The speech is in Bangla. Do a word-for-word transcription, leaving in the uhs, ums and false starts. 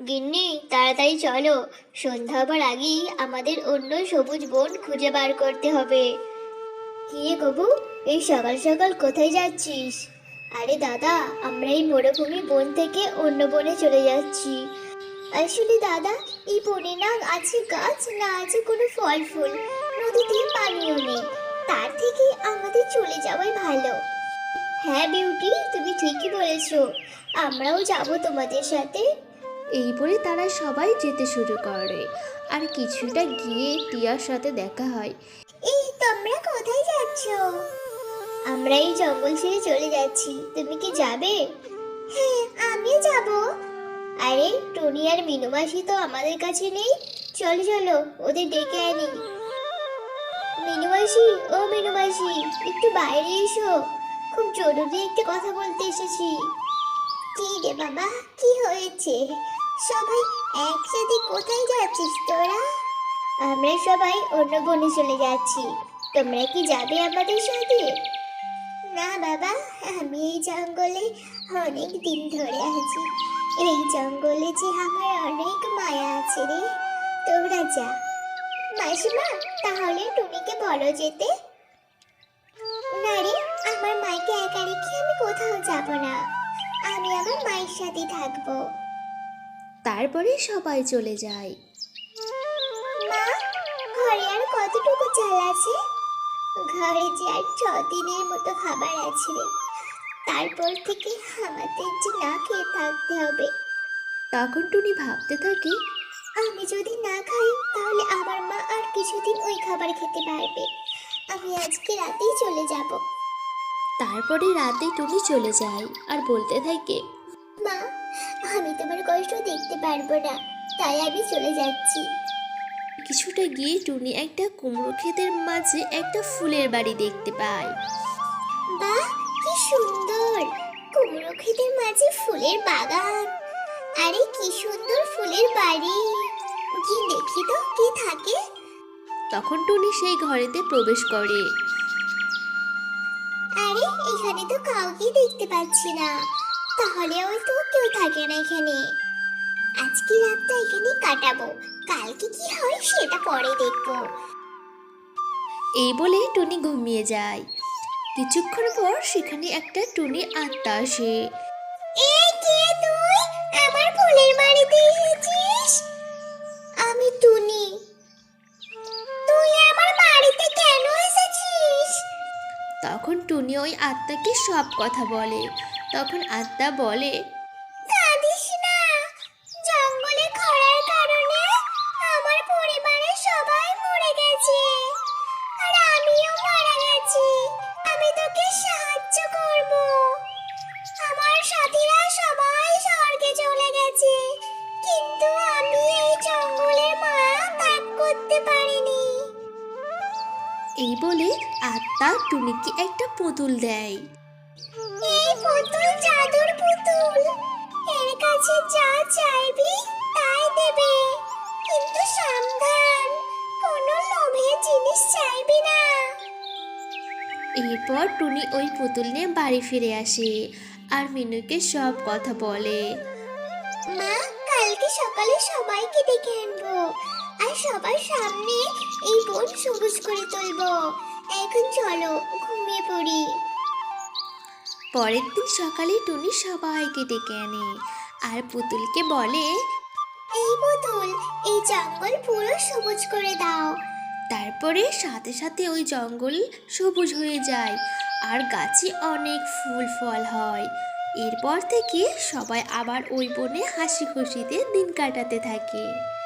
গিন্নি, তাড়াতাড়ি চলো। সন্ধ্যা হবার আগেই আমাদের অন্য সবুজ বন খুঁজে বার করতে হবে। কি রে গবু, এই সকাল সকাল কোথায় যাচ্ছিস? আরে দাদা, আমরা এই মরুভূমি বন থেকে অন্য বনে চলে যাচ্ছি। আসলে দাদা, এই বনে না আছে গাছ, না আছে কোনো ফল ফুল, নদীতে পানিও নেই। তার থেকে আমাদের চলে যাওয়াই ভালো। হ্যাঁ বিউটি, তুমি ঠিকই বলেছো। আমরাও যাব তোমাদের সাথে। এই বলে তারা সবাই যেতে শুরু করে। আর কিছুটা গিয়ে টিয়ার সাথে দেখা হয়। এই তোমরা কোথায় যাচ্ছ? আমরা এই জঙ্গল ছেড়ে চলে যাচ্ছি, তুমি কি যাবে? হ্যাঁ, আমিও যাব। আরে টনি আর মিনু মাসি তো আমাদের কাছে নেই। চলো চলো, ওদের ডেকে আনি। মিনু মাসি, ও মিনু মাসি, একটু বাইরে এসো। খুব জরুরি একটা কথা বলতে এসেছি। কি রে বাবা, কি হয়েছে? সবাই একসাথে কোথায় যাচ্ছিস তোরা? আমরা সবাই অন্য বনে চলে যাচ্ছি। তোমরা কি যাবে আমাদের সাথে? না বাবা, আমি এই জঙ্গলে অনেক দিন ধরে আছি। এই জঙ্গলে যে আমার অনেক মায়া আছে রে। তোরা যা। মাসিমা, তাহলে টুনিকে বলো যেতে। না রে, আমার মাকে একা রেখে আমি কোথাও যাব না। আমি আমার মায়ের সাথে থাকবো। তারপরে সবাই চলে যায়। মা, ঘরে আর কতটুকু চাল আছে? ঘরে যে আর ছ দিনের মতো খাবার আছে রে। তারপর থেকে আমাদের যে না খেয়ে থাকতে হবে। তখন টুনি ভাবতে থাকে। আমি যদি না খাই তাহলে আমার মা আর কিছুদিন ওই খাবার খেতে পারবে। আমি আজকে রাতেই চলে যাব। তারপরে রাতে টুনি চলে যায় আর বলতে থাকে। মা, আমি তোমার কষ্ট দেখতে পারবো না, তাই আমি চলে যাচ্ছি। কিছুটা গিয়ে টুনি একটা কুমড়ো ক্ষেতের মাঝে একটা ফুলের বাড়ি দেখতে পায়। বাহ, কি সুন্দর! কুমড়ো ক্ষেতের মাঝে ফুলের বাগান। আরে কি সুন্দর ফুলের বাড়ি! কি দেখি তো কি থাকে। তখন টুনি সেই ঘরেতে প্রবেশ করে। আরে এখানে তো কাউকে দেখতে পাচ্ছি না। তাহলে হয়তো কেউ থাকে না এখানে। আজকে রাতটা এখানে কাটাবো। কালকে কি হয় সেটা পরে দেখবো। এই বলে টুনি ঘুমিয়ে যায়। কিছুক্ষণ পর সেখানে একটা টুনি আত্মা আসে। এই কে তুই? আমার ফুলের বাড়িতে এসেছিস? আমি টুনি। তুই আমার বাড়িতে কেন এসেছিস? তখন টুনি ওই আত্মাকে সব কথা বলে। তখন আত্মা বলে। কাঁদিস না। জঙ্গলে খরার কারণে আমার পরিবারের সবাই মরে গেছে। আর আমিও মারা গেছি। আমি তোকে সাহায্য করব। আমার সাথীরা সবাই স্বর্গে চলে গেছে, কিন্তু আমি এই জঙ্গলের মায়া ত্যাগ করতে পারিনি। এই বলে আত্মা টুনিকে একটা পুতুল দেয়। এই পুতুল জাদুর পুতুল। এর কাছে যা চাইবি তাই দেবে, কিন্তু সাবধান, কোনো লোভের জিনিস চাইবি না। এরপর টুনি ওই পুতুল নিয়ে বাড়ি ফিরে আসে আর মিনুকে সব কথা বলে। মা, কালকে সকালে সবাইকে ডেকে আনবো আর সবার সামনে এই বন সবুজ করে তুলবো। এখন চলো ঘুমিয়ে পড়ি। পরের দিন সকালে টুনি সবাইকে ডেকে আনে আর পুতুলকে বলে। এই পুতুল, এই জঙ্গল পুরো সবুজ করে দাও। তারপরে সাথে সাথে ওই জঙ্গল সবুজ হয়ে যায় আর গাছে অনেক ফুল ফল হয়। এরপর থেকে সবাই আবার ওই বনে হাসি খুশিতে দিন কাটাতে থাকে।